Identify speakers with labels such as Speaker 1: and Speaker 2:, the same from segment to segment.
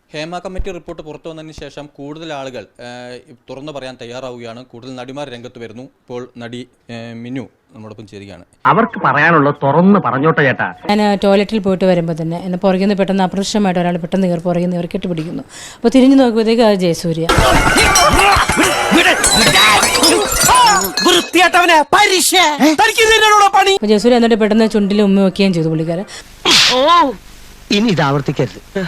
Speaker 1: Hema committee report പുറത്തു വന്നതിന് ശേഷം കൂടുതൽ ആളുകൾ തുറന്നു പറയാൻ തയ്യാറാവുകയാണ്. കൂടുതൽ നടിമാർ രംഗത്ത് വരുന്നു. ഇപ്പോൾ നടി മിനു നമ്മോടൊപ്പം ചേരുകയാണ്.
Speaker 2: അവർക്ക് പറയാനുള്ള തുറന്ന് പറഞ്ഞോട്ടെ ചേട്ടാ.
Speaker 3: ഞാൻ ടോയ്ലറ്റിൽ പോയിട്ട് വരുമ്പോൾ തന്നെ എന്നെ പുറകിൽ നിന്ന് പെട്ടെന്ന് അപ്രത്യക്ഷമായിട്ട് ഒരാൾ പെട്ടെന്ന് കയറി പുറകിൽ നിന്ന് കെട്ടിപ്പിടിക്കുന്നു. അപ്പോൾ തിരിഞ്ഞു നോക്കുമ്പോഴത്തേക്ക് അത് ജയസൂര്യ. അപ്പോൾ ജയസൂര്യ എന്നിട്ട് പെട്ടെന്ന് ചുണ്ടിൽ ഉമ്മ വയ്ക്കുകയും ചെയ്തു പുള്ളിക്കാരൻ.
Speaker 2: ഇനി ഇത് ആവർത്തിക്കരുത്.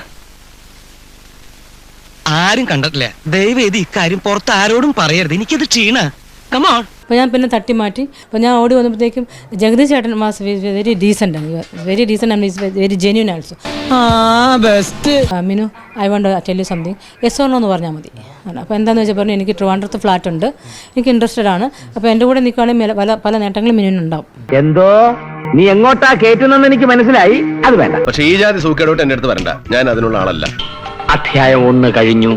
Speaker 2: ആരും കണ്ടിട്ടില്ല. ദയവ് ചെയ്ത് ഇക്കാര്യം പുറത്ത് ആരോടും പറയരുത്. എനിക്കത് ക്ഷീണ. കമോൺ.
Speaker 3: അപ്പോൾ ഞാൻ പിന്നെ തട്ടി മാറ്റി. അപ്പോൾ ഞാൻ ഓടി വന്നപ്പോഴത്തേക്കും ജഗദീഷ് ചേട്ടൻ വാസ് വെരി ഡീസൻ്റ് ആണ്, very decent and is very genuine also. Minu, I want to tell you something, yes or no എന്ന് പറഞ്ഞാൽ മതി. അപ്പോൾ എന്താണെന്ന് വെച്ചാൽ പറഞ്ഞു, എനിക്ക് ട്രിവാൻഡ്രത്ത് ഫ്ലാറ്റ് ഉണ്ട്, എനിക്ക് ഇൻട്രസ്റ്റഡ് ആണ്. അപ്പോൾ എൻ്റെ കൂടെ നിൽക്കുകയാണെങ്കിൽ പല നേട്ടങ്ങളും മിനുവിനുണ്ടാവും.
Speaker 2: എന്തോ നീ എങ്ങോട്ടാ കേറ്റുന്നെന്ന് എനിക്ക് മനസ്സിലായി. അത് വേണ്ട.
Speaker 4: പക്ഷേ ഈ ജാതി സൂക്കേടോട്ട് എൻ്റെ അടുത്ത് വരണ്ട. ഞാൻ അതിനുള്ള ആളല്ല.
Speaker 2: അധ്യായം 1 കഴിഞ്ഞു.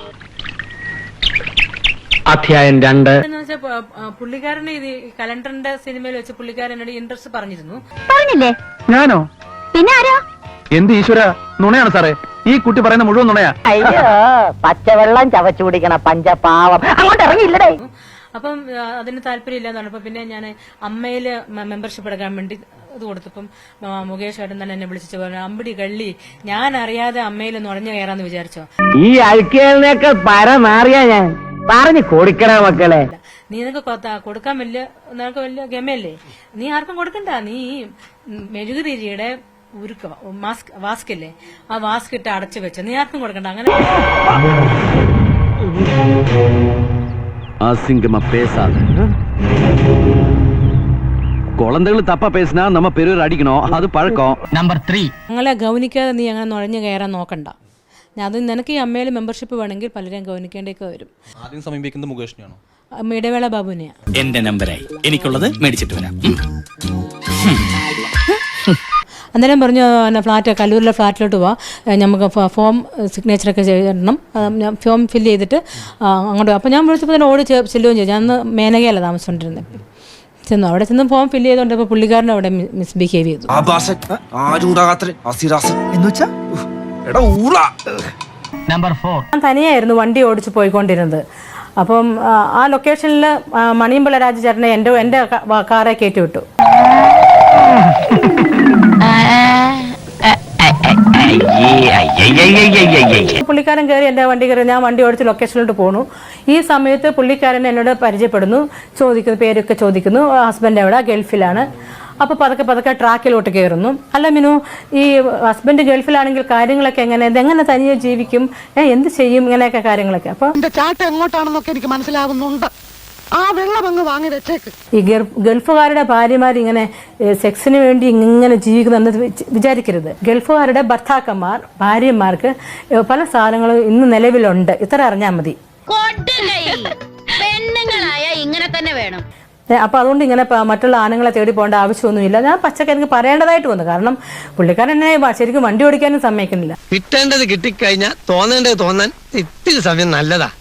Speaker 2: അധ്യായം 2.
Speaker 3: പുള്ളിക്കാരന് ഇത് കലണ്ടറിന്റെ സിനിമയിൽ വെച്ച് പുള്ളിക്കാരനോട് ഇൻട്രസ്റ്റ് പറഞ്ഞിരുന്നു.
Speaker 5: പറഞ്ഞില്ലേ?
Speaker 6: ഞാനോ?
Speaker 5: പിന്നെ ആരോ?
Speaker 6: എന്ത് ഈശ്വര, നുണയാണ് സാറേ. ഈ കുട്ടി പറയുന്ന മുഴുവൻ നുണയാ.
Speaker 5: അയ്യോ, പച്ചവെള്ളം ചവച്ചു കുടിക്കണ പഞ്ചപാവം. അങ്ങോട്ട് ഇറങ്ങിയില്ലടേ.
Speaker 3: അപ്പം അതിന് താല്പര്യമില്ലാന്ന് പറഞ്ഞപ്പോൾ പിന്നെ ഞാൻ അമ്മയിൽ മെമ്പർഷിപ്പ് എടുക്കാൻ വേണ്ടി ഇത് കൊടുത്തപ്പം മുകേഷ് ഏട്ടൻ തന്നെ എന്നെ വിളിച്ചു പറഞ്ഞു, അമ്പടി കള്ളി, ഞാൻ അറിയാതെ അമ്മയിൽ നുഴഞ്ഞു കയറാന്ന് വിചാരിച്ചോ?
Speaker 2: ഈ അഴുക്കേലിനൊക്കെ പരമാറിയാ ഞാൻ പറഞ്ഞു കൊടുക്കണ മക്കളെ.
Speaker 3: നീ നിനക്ക് കൊടുക്കാൻ നിനക്ക് വലിയ ഗമയല്ലേ? നീ ആർക്കും കൊടുക്കണ്ട. നീ മെഴുകുതിരിയുടെ ഉരുക്ക വാസ്ക് ഇല്ലേ, ആ വാസ്ക് ഇട്ട് അടച്ചു വെച്ച, നീ ആർക്കും കൊടുക്കണ്ട. അങ്ങനെ
Speaker 7: அசிங்கமா பேசாத. குழந்தைகள் தப்பா பேசினா நம்ம பெரியவர் அடிக்கணும், அது பழக்கம்.
Speaker 2: നമ്പർ 3.
Speaker 3: ഞങ്ങളെ ഗൗനിക്കാതെ നീ അങ്ങനെ നുഴഞ്ഞു കയറാൻ നോക്കണ്ട. അത് നിനക്ക് ഈ അമ്മയിൽ മെമ്പർഷിപ്പ് വേണമെങ്കിൽ പലരെയും ഗൗനിക്കേണ്ടിയൊക്കെ വരും.
Speaker 1: ആദ്യം സമീപിക്കുന്നത് മുകേഷിനെയാണോ?
Speaker 3: ഇടവേള ബാബുവിനെയാണ്.
Speaker 8: എന്റെ നമ്പറായി, എനിക്കുള്ളത് മേടിച്ചിട്ട് വരാം.
Speaker 3: അന്നേരം പറഞ്ഞു, ഫ്ലാറ്റ് കല്ലൂരിലെ ഫ്ലാറ്റിലോട്ട് പോവാം, നമുക്ക് ഫോം സിഗ്നേച്ചറൊക്കെ ചെയ്യണം, ഫോം ഫില്ല് ചെയ്തിട്ട് അങ്ങോട്ട്. അപ്പോൾ ഞാൻ വിളിച്ചപ്പോൾ തന്നെ ഓടി ചെല്ലുകയും ചെയ്തു. ഞാൻ അന്ന് മേനകയല്ല താമസിച്ചുകൊണ്ടിരുന്നത്. ചെന്നു, അവിടെ ചെന്ന് ഫോം ഫില്ല് ചെയ്തുകൊണ്ടപ്പോൾ പുള്ളിക്കാരൻ അവിടെ മിസ്ബിഹേവ് ചെയ്തു.
Speaker 2: നമ്പർ 4.
Speaker 3: ഞാൻ തനിയായിരുന്നു വണ്ടി ഓടിച്ച് പോയിക്കൊണ്ടിരുന്നത്. അപ്പം ആ ലൊക്കേഷനിൽ മണിയമ്പിള്ള രാജചേട്ടനെ എൻ്റെ കാറെ കയറ്റി വിട്ടു. പുള്ളിക്കാരൻ കയറി എൻ്റെ വണ്ടി കയറി, ഞാൻ വണ്ടി ഓടിച്ച് ലൊക്കേഷനിലോട്ട് പോണു. ഈ സമയത്ത് പുള്ളിക്കാരൻ എന്നോട് പരിചയപ്പെടുന്നു, ചോദിക്കുന്നു, പേരൊക്കെ ചോദിക്കുന്നു, ഹസ്ബൻഡ് എവിടെ, ഗൾഫിലാണ്. അപ്പോൾ പതുക്കെ ട്രാക്കിലോട്ട് കയറുന്നു. അല്ല മിനു, ഈ ഹസ്ബൻഡ് ഗൾഫിലാണെങ്കിൽ കാര്യങ്ങളൊക്കെ എങ്ങനെ തനിയെ ജീവിക്കും, എന്ത് ചെയ്യും, ഇങ്ങനെയൊക്കെ കാര്യങ്ങളൊക്കെ. അപ്പോൾ
Speaker 6: ചാട്ടം എങ്ങോട്ടാണെന്നൊക്കെ എനിക്ക് മനസ്സിലാവുന്നുണ്ട്. ആ വെള്ളം അങ്ങ് വാങ്ങി വെച്ചേക്ക്.
Speaker 3: ഈ ഗൾഫുകാരുടെ ഭാര്യമാർ ഇങ്ങനെ സെക്സിന് വേണ്ടി ഇങ്ങനെ ജീവിക്കുന്നെന്ന് വിചാരിക്കരുത്. ഗൾഫുകാരുടെ ഭർത്താക്കന്മാർ ഭാര്യമാർക്ക് പല സാധനങ്ങളും ഇന്ന് നിലവിലുണ്ട്. ഇത്ര അറിഞ്ഞാൽ മതി.
Speaker 5: പെണ്ണുങ്ങളായ ഇങ്ങനെ തന്നെ വേണം.
Speaker 3: അപ്പോൾ അതുകൊണ്ട് ഇങ്ങനെ മറ്റുള്ള ആണുങ്ങളെ തേടി പോകേണ്ട ആവശ്യമൊന്നുമില്ല. ഞാൻ പച്ചക്ക് എനിക്ക് പറയേണ്ടതായിട്ട് വന്നു. കാരണം പുള്ളിക്കാരൻ എന്നെ ശരിക്കും വണ്ടി ഓടിക്കാനും സമ്മതിക്കുന്നില്ല.
Speaker 2: കിട്ടേണ്ടത് കിട്ടിക്കഴിഞ്ഞാൽ തോന്നേണ്ടത് തോന്നാൻ ഇത്തിരി സമയം നല്ലതാ.